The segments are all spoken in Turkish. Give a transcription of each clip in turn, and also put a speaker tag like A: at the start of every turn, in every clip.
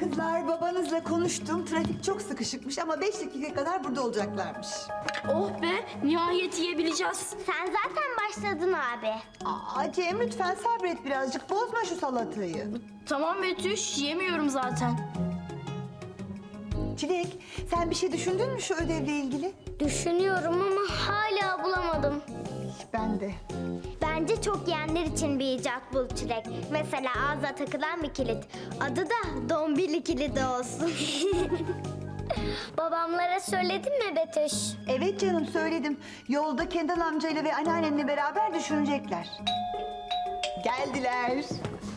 A: Kızlar, babanızla konuştum. Trafik çok sıkışıkmış ama 5 dakika kadar burada olacaklarmış.
B: Oh be, nihayet yiyebileceğiz.
C: Sen zaten başladın abi.
A: Aa Cem, lütfen sabret birazcık. Bozma şu salatayı.
B: Tamam Betüş, yemiyorum zaten.
A: Çilek, sen bir şey düşündün mü şu ödevle ilgili?
C: Düşünüyorum ama hala bulamadım.
A: Ben de.
C: Bence çok yiyenler için bir icat bul Çilek. Mesela ağza takılan bir kilit. Adı da dombili kilidi olsun. Babamlara söyledin mi Betüş?
A: Evet canım, söyledim. Yolda Kendal amcayla ve anneannenle beraber düşünecekler. Geldiler.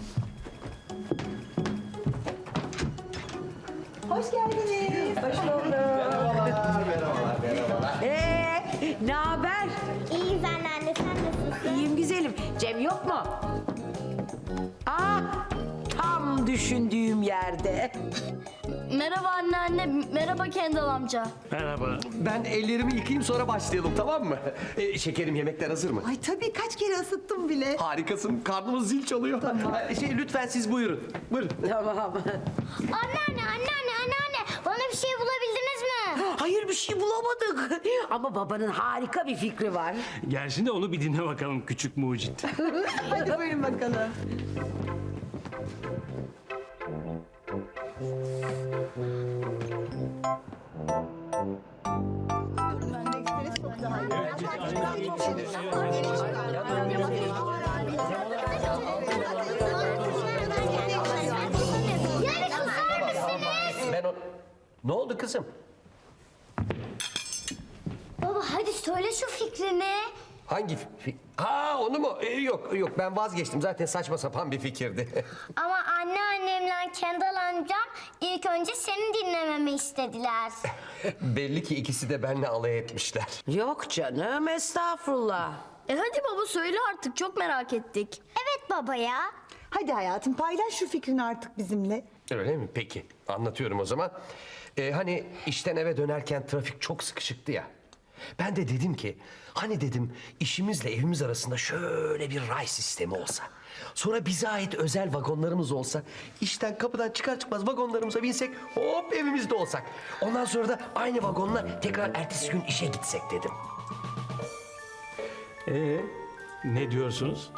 A: Hoş geldiniz. Hoş bulduk.
D: Ne haber?
C: İyiyiz anneanne, sen nasılsın?
D: İyiyim güzelim. Cem yok mu? Aa, tam düşündüğüm yerde.
B: Merhaba anneanne, merhaba Kendal amca.
E: Merhaba.
F: Ben ellerimi yıkayayım sonra başlayalım, tamam mı? Şekerim, yemekler hazır mı?
A: Ay tabii, kaç kere ısıttım bile.
F: Harikasın, karnımız zil çalıyor. Lütfen siz buyurun. Buyurun.
D: Tamam.
C: Anneanne, bana bir şey bulabildiniz mi?
D: Hayır, bir şey bulamadık. Ama babanın harika bir fikri var.
E: Gelsin de onu bir dinle bakalım küçük mucit.
A: Hadi buyurun bakalım.
C: Yani kızar mısınız?
F: Ne oldu kızım?
C: Baba hadi söyle şu fikrini.
F: Hangi onu mu? Yok, ben vazgeçtim. Zaten saçma sapan bir fikirdi.
C: Ama anneannemle Kendal amcam ilk önce seni dinlememi istediler.
F: Belli ki ikisi de benimle alay etmişler.
D: Yok canım, estağfurullah.
B: Hadi baba söyle artık, çok merak ettik.
C: Evet baba ya.
A: Hadi hayatım, paylaş şu fikrini artık bizimle.
F: Öyle mi? Peki. Anlatıyorum o zaman. Hani işten eve dönerken trafik çok sıkışıktı ya. Ben de dedim ki, hani dedim işimizle evimiz arasında şöyle bir ray sistemi olsa. Sonra bize ait özel vagonlarımız olsa, işten kapıdan çıkar çıkmaz vagonlarımıza binsek, hop evimizde olsak. Ondan sonra da aynı vagonla tekrar ertesi gün işe gitsek dedim.
E: Ne diyorsunuz?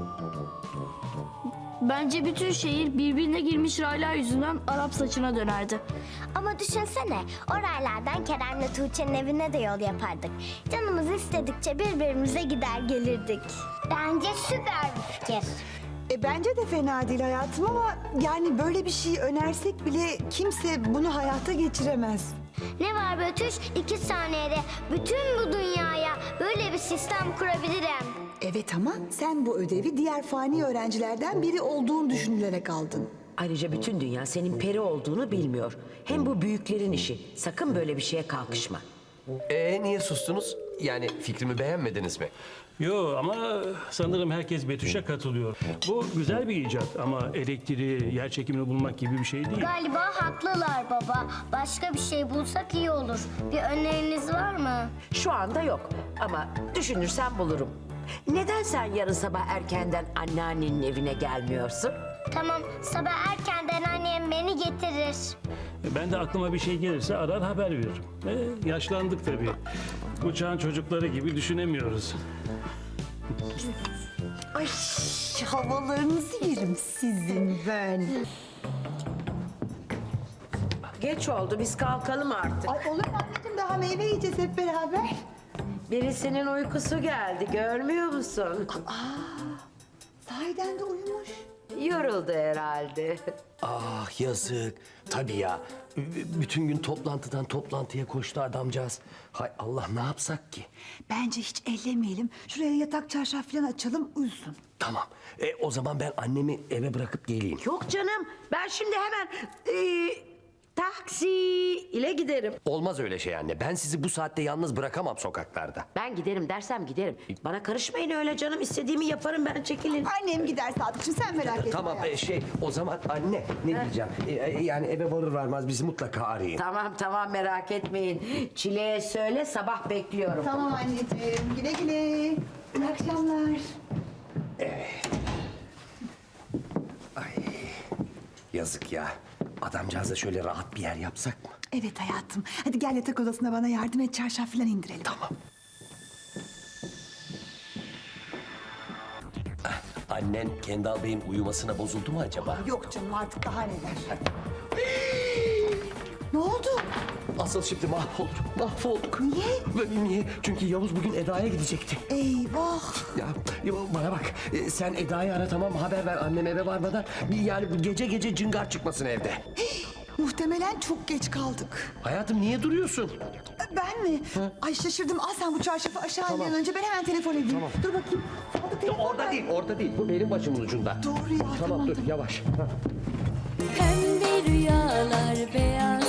B: Bence bütün şehir birbirine girmiş raylar yüzünden Arap saçına dönerdi.
C: Ama düşünsene o raylardan Kerem'le Tuğçe'nin evine de yol yapardık. Canımız istedikçe birbirimize gider gelirdik. Bence süper bir fikir.
A: Bence de fena değil hayatım ama yani böyle bir şey önersek bile kimse bunu hayata geçiremez.
C: Ne var Betüş? 2 saniyede bütün bu dünyaya böyle bir sistem kurabilirim.
A: Evet ama sen bu ödevi diğer fani öğrencilerden biri olduğunu düşünülerek aldın.
D: Ayrıca bütün dünya senin peri olduğunu bilmiyor. Hem bu büyüklerin işi. Sakın böyle bir şeye kalkışma.
F: Niye sustunuz? Yani fikrimi beğenmediniz mi?
E: Yo ama sanırım herkes Betüş'e katılıyor. Bu güzel bir icat ama elektriği, yer çekimini bulmak gibi bir şey değil.
C: Galiba haklılar baba. Başka bir şey bulsak iyi olur. Bir öneriniz var mı?
D: Şu anda yok ama düşünürsem bulurum. Neden sen yarın sabah erkenden anneannenin evine gelmiyorsun?
C: Tamam, sabah erkenden annem beni getirir.
E: Ben de aklıma bir şey gelirse arar haber veririm. Yaşlandık tabii. Bu çağın çocukları gibi düşünemiyoruz.
A: Ay havalarınızı yerim sizin ben.
D: Geç oldu, biz kalkalım artık.
A: Ay olur mu anneciğim, daha meyve yiyeceğiz hep beraber.
D: Birisinin uykusu geldi, görmüyor musun?
A: Sahiden de uyumuş.
D: Yoruldu herhalde.
F: Ah yazık. Tabii ya. Bütün gün toplantıdan toplantıya koştu adamcağız. Hay Allah, ne yapsak ki?
A: Bence hiç ellemeyelim. Şuraya yatak çarşaf falan açalım, uyusun.
F: Tamam. O zaman ben annemi eve bırakıp geleyim.
D: Yok canım, ben şimdi hemen taksi ile giderim.
F: Olmaz öyle şey anne. Ben sizi bu saatte yalnız bırakamam sokaklarda.
D: Ben giderim dersem giderim. Bana karışmayın öyle canım, istediğimi yaparım ben, çekilin.
A: Annem gider Sadıkçım, sen merak etme.
F: Tamam
A: hayatım.
F: o zaman anne ne diyeceğim? Yani eve varır varmaz bizi mutlaka arayın.
D: Tamam merak etmeyin. Çileğe söyle, sabah bekliyorum.
A: Tamam anneciğim, güle güle. İyi akşamlar.
F: Yazık ya. adamcağıza şöyle rahat bir yer yapsak mı?
A: Evet hayatım. Hadi gel yatak odasına bana yardım et. Çarşaf falan indirelim.
F: Tamam. Annen Kendal Bey'in uyumasına bozuldu mu acaba?
A: Yok canım artık daha neler. Ne oldu?
F: Asıl şimdi mahvolduk.
A: Niye?
F: Niye? Çünkü Yavuz bugün Eda'ya gidecekti.
A: Eyvah.
F: Ya bana bak, sen Eda'yı ara, tamam mı? Haber ver annem eve varmadan. Yani bu gece cıngar çıkmasın evde.
A: Muhtemelen çok geç kaldık.
F: Hayatım niye duruyorsun?
A: Ben mi? Ay şaşırdım. Al sen bu çarşafı aşağı in bir an önce. Ben hemen telefon edeyim.
F: Tamam.
A: Dur bakayım. Sadık telefon
F: Orada
A: ver.
F: değil, orada değil. Bu benim başımın ucunda.
A: Doğru ya.
F: Tamam dur, yavaş.
G: Pembe rüyalar, beyaz